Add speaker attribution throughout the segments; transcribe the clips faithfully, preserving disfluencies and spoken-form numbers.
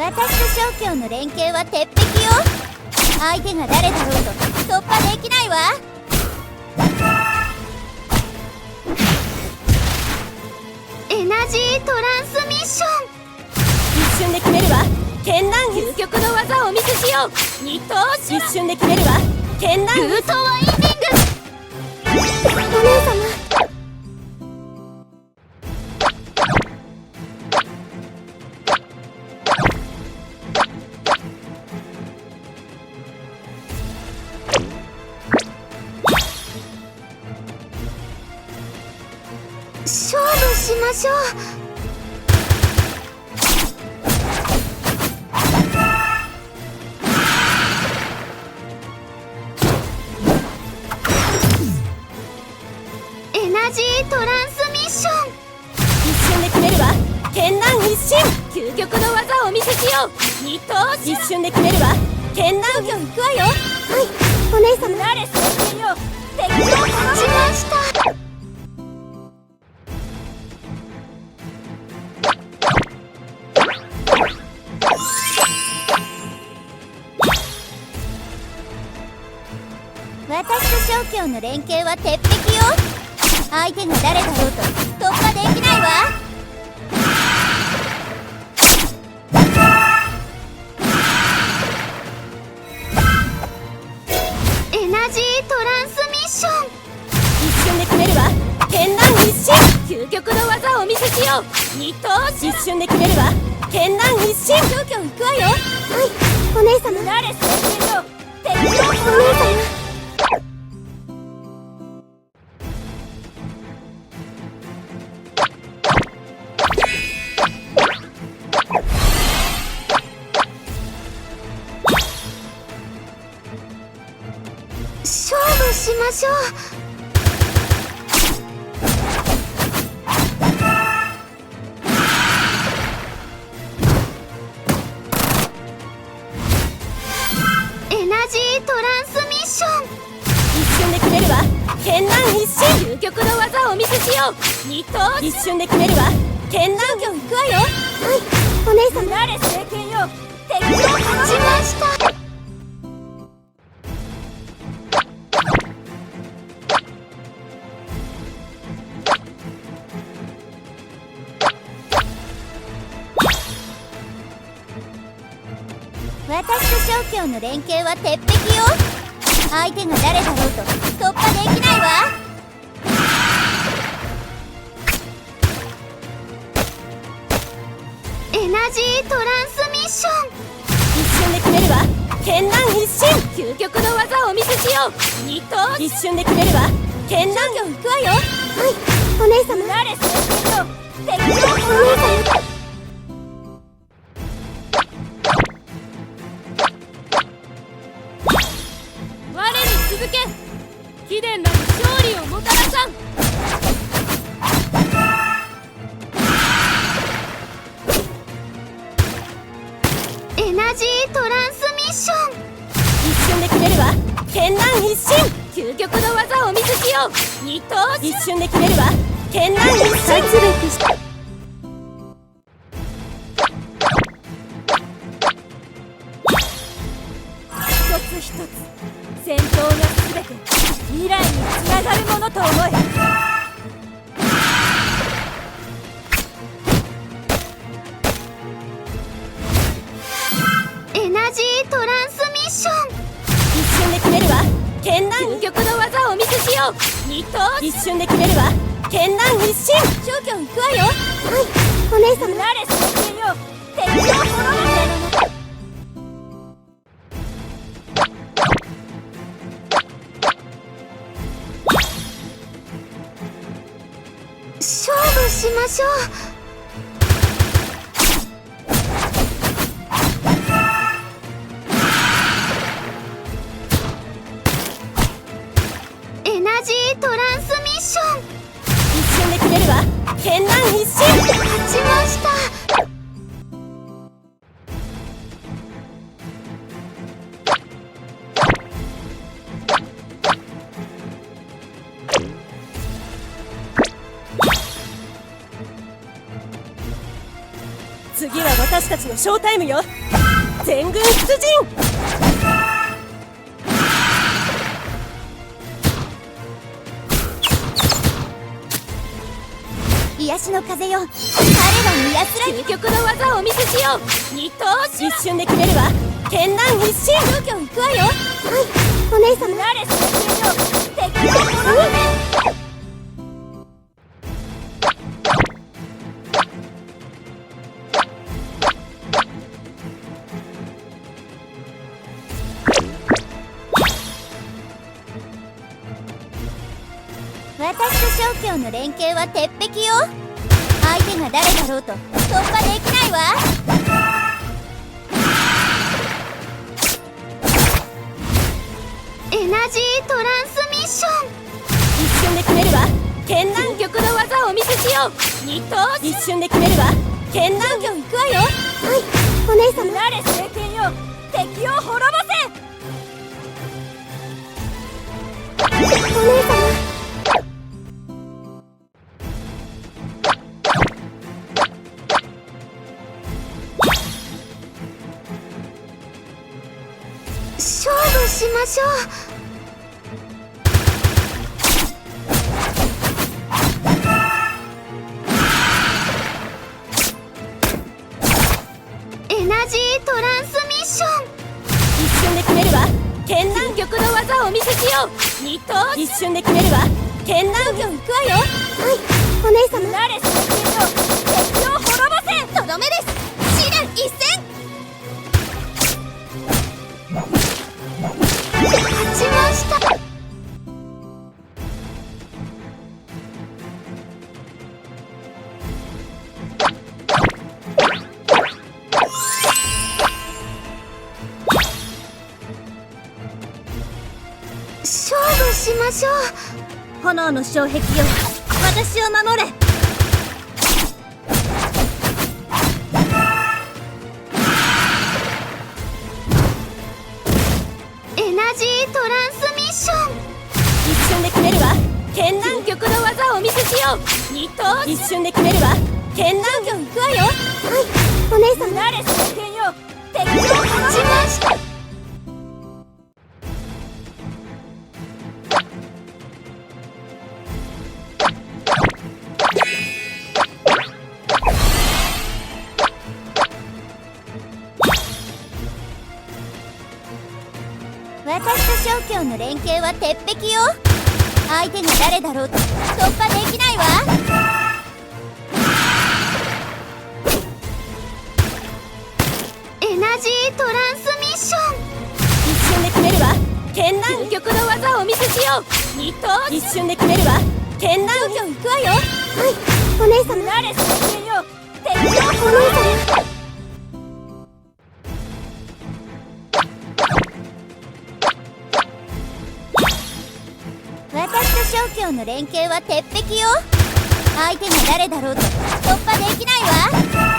Speaker 1: 私と小京の連携は鉄壁よ。相手が誰だろうと突破できないわ。エナジートランスミッション。
Speaker 2: 一瞬で決めるわ。剣南
Speaker 1: 究極の技をお見せしよう。二頭シ
Speaker 2: 一瞬で決めるわ。剣南
Speaker 1: ルートワインディング。お姉様。勝負しましょう。エナジートランスミッション。
Speaker 2: 一瞬で決めるわ。剣南一心。
Speaker 1: 究極の技をお見せしよう。二頭
Speaker 2: 一瞬で決めるわ。剣南
Speaker 1: 今日行くわよ。はい、お姉様。 慣れせよ。敵を勝ちました。私と小京の連携は鉄壁よ。相手が誰だろうと突破できないわ。エナジートランスミッション。
Speaker 2: 一瞬で決めるわ。剣南一心。
Speaker 1: 究極の技をお見せしよう。二頭
Speaker 2: 一瞬で決めるわ。剣南一心。
Speaker 1: 小京行くわよ。はい、お姉様。慣れせよ。敵をお姉様。勝負しましょう。エナジートランスミッション。
Speaker 2: 一瞬で決めるわ。剣南一心。
Speaker 1: 究極の技をお見せしよう。二頭
Speaker 2: 一瞬で決めるわ。剣南
Speaker 1: 今日行くわよ。はい、お姉様。慣れ政権よ。敵を勝ちました。私と小京の連携は鉄壁よ。相手が誰だろうと突破できないわ。エナジートランスミッション。
Speaker 2: 一瞬で決めるわ。剣南一心。
Speaker 1: 究極の技をお見せしよう。二頭
Speaker 2: 一瞬で決めるわ。剣南
Speaker 1: 今日行くわよ。はい、お姉様。慣れせよ。敵をお姉様。
Speaker 2: 続け。貴殿らに勝利をもたらさん。
Speaker 1: エナジートランスミッション。
Speaker 2: 一瞬で決めるわ。剣南一心。
Speaker 1: 究極の技をお見せしよう。二頭
Speaker 2: 一瞬で決めるわ。剣南一心。
Speaker 1: 一つ一つ戦闘がすべて未来につながるものと思え。エナジートランスミッション。
Speaker 2: 一瞬で決めるわ。剣南
Speaker 1: 究極の技をお見せしよう。二頭
Speaker 2: 一瞬で決めるわ。剣南一心。
Speaker 1: 小京行くわよ。はい、お姉様。慣れせよ。敵を滅ぼせ。勝負しましょう。エナジートランスミッション。
Speaker 2: 一瞬で決めるわ。剣南一心。
Speaker 1: 勝ちました。
Speaker 3: 次は私たちのショータイムよ。全軍出陣。
Speaker 1: 癒しの風よ、彼らに安らぎ。
Speaker 2: 究極の技をお見せしよう。二頭身。
Speaker 3: 一瞬で決めるわ。剣南一心。
Speaker 1: 状況行くわよ。はい、お姉様。
Speaker 2: 慣れそのよ敵を滅ぼせ。
Speaker 1: 私と正教の連携は鉄壁よ。相手が誰だろうと突破できないわ。
Speaker 2: エナジートランスミッション。
Speaker 3: 一瞬で決めるわ。剣南。
Speaker 2: 究極の技をお見せしよう。二頭身。
Speaker 3: 一瞬で決めるわ。剣南。
Speaker 1: 状況行くわよ。はい、お姉様。
Speaker 2: 慣れ聖剣よ、敵を滅ぼせ。
Speaker 1: お姉様。
Speaker 2: 勝負しましょう。エナジートランスミッション。
Speaker 3: 一瞬で決めるわ。剣南。
Speaker 2: 究極の技をお見せしよう。二頭身。
Speaker 3: 一瞬で決めるわ。剣南。
Speaker 1: 状況行くわよ。はい、お姉様。
Speaker 2: 慣れ聖剣よ、敵を滅ぼせ。
Speaker 1: とどめです。試練一戦。
Speaker 2: 勝ちました。勝負しましょう。
Speaker 1: 炎の障壁よ、私を守れ。
Speaker 2: エナジートランスミッション。
Speaker 3: 一瞬で決めるわ。剣南。
Speaker 2: 究極の技をお見せしよう。二頭身。
Speaker 3: 一瞬で決めるわ。剣南。
Speaker 1: 状況行くわよ。はい、お姉様。
Speaker 2: 慣れ聖剣よ、敵を勝ちました。
Speaker 1: 私と正教の連携は鉄壁よ。相手が誰だろうと突破できないわ。
Speaker 2: エナジートランスミッション。
Speaker 3: 一瞬で決めるわ。剣南。
Speaker 2: 究極の技をお見せしよう。二頭身。
Speaker 3: 一瞬で決めるわ。剣南。
Speaker 1: 状況行くわよ。はい、お姉様。
Speaker 2: 慣れ聖剣よ、敵を
Speaker 1: お姉
Speaker 2: 滅ぼせ。
Speaker 1: 様。私と正教の連携は鉄壁よ。相手が誰だろうと突破できないわ。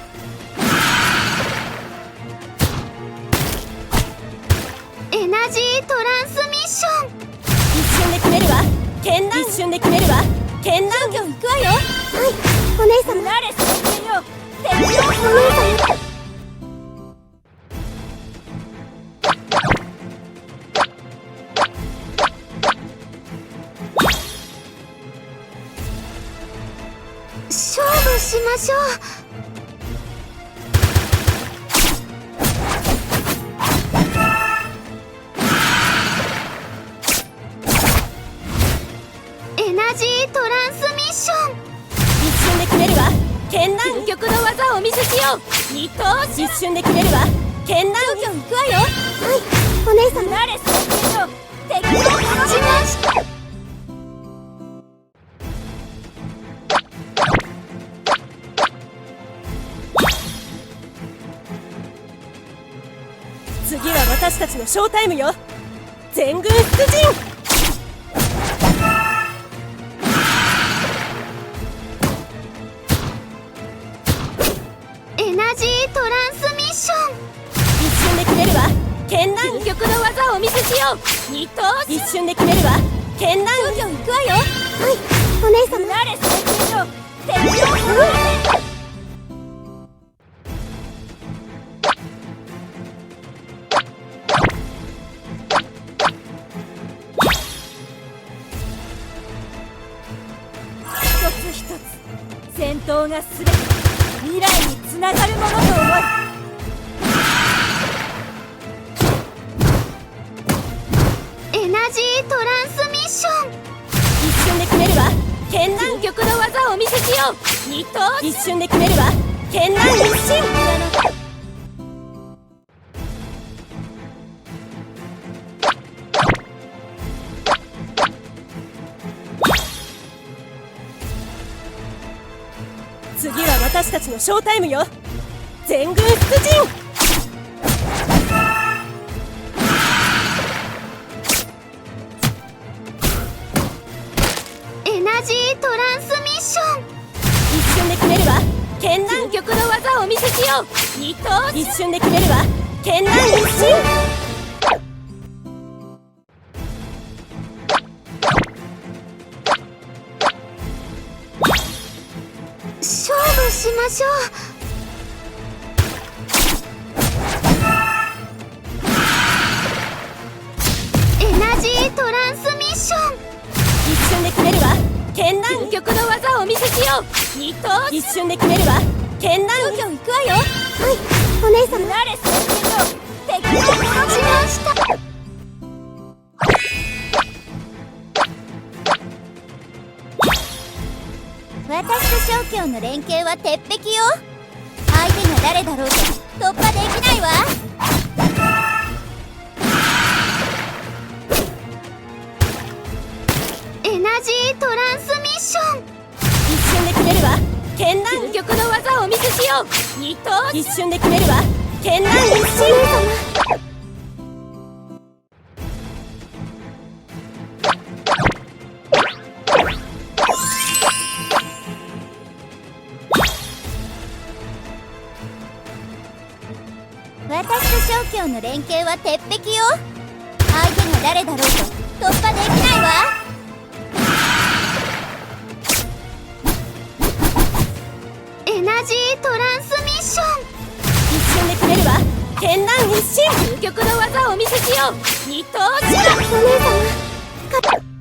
Speaker 2: エナジートランスミッション。
Speaker 3: 一瞬で決めるわ。剣南。一瞬で決めるわ。剣南。
Speaker 1: 状況行くわよ。はい、お姉様。
Speaker 2: 慣れ聖剣よ、敵を
Speaker 1: お
Speaker 2: 滅ぼせ。
Speaker 1: 姉様。
Speaker 2: 勝負しましょう。エナジートランスミッション。
Speaker 3: 一瞬で決めるわ。剣南。
Speaker 2: 究極の技をお見せしよう。二頭身。
Speaker 3: 一瞬で決めるわ。剣南。
Speaker 1: 状況行くわよ。はい、お姉様。
Speaker 2: 慣れ聖剣よ、敵を滅ぼしました。
Speaker 3: 次は私たちのショータイムよ。全軍出陣。
Speaker 2: エナジートランスミッション。
Speaker 3: 一瞬で決めるわ。剣南。
Speaker 2: 究極の技をお見せしよう。二頭身。
Speaker 3: 一瞬で決めるわ。剣南。
Speaker 1: 状況行くわよ。はい、お姉様。
Speaker 2: 慣れ聖剣よ、敵を滅ぼせ。
Speaker 3: 闘が全て未来につながるものと思い、
Speaker 1: エナジートランスミッション。
Speaker 3: 一瞬で決めるわ剣南、
Speaker 2: 究極の技をお見せしよう。二頭
Speaker 3: 一瞬で決めるわ剣南一心。次は私たちのショータイムよ。全軍出陣。
Speaker 1: エナジートランスミッション。
Speaker 3: 一瞬で決めるわ剣南、
Speaker 2: 究極の技をお見せしよう。二頭
Speaker 3: 一瞬で決めるわ剣南一心。
Speaker 1: 勝負しましょう。エナジートランスミッション。
Speaker 3: 一瞬で決めるわ剣南、
Speaker 2: 究極の技をお見せしよう。二頭
Speaker 3: 一瞬で決めるわ剣南。
Speaker 1: 今日行くわよ。はい、お姉様。
Speaker 2: 慣れそっけの敵を
Speaker 1: しました。私と正教の連携は鉄壁よ。相手が誰だろうと突破できないわ。エナジートランスミッション。
Speaker 3: 一瞬で決めるわ剣南、
Speaker 2: 究極の技をお見せしよう。二頭
Speaker 3: 一瞬で決めるわ剣南一心。
Speaker 1: 私と正教の連携は鉄壁よ。相手が誰だろうと突破できないわ。エナジートランスミッション。
Speaker 3: 一瞬で決めるわ剣南一心。
Speaker 2: 究極の技をお見せしよう。二頭
Speaker 1: お姉様。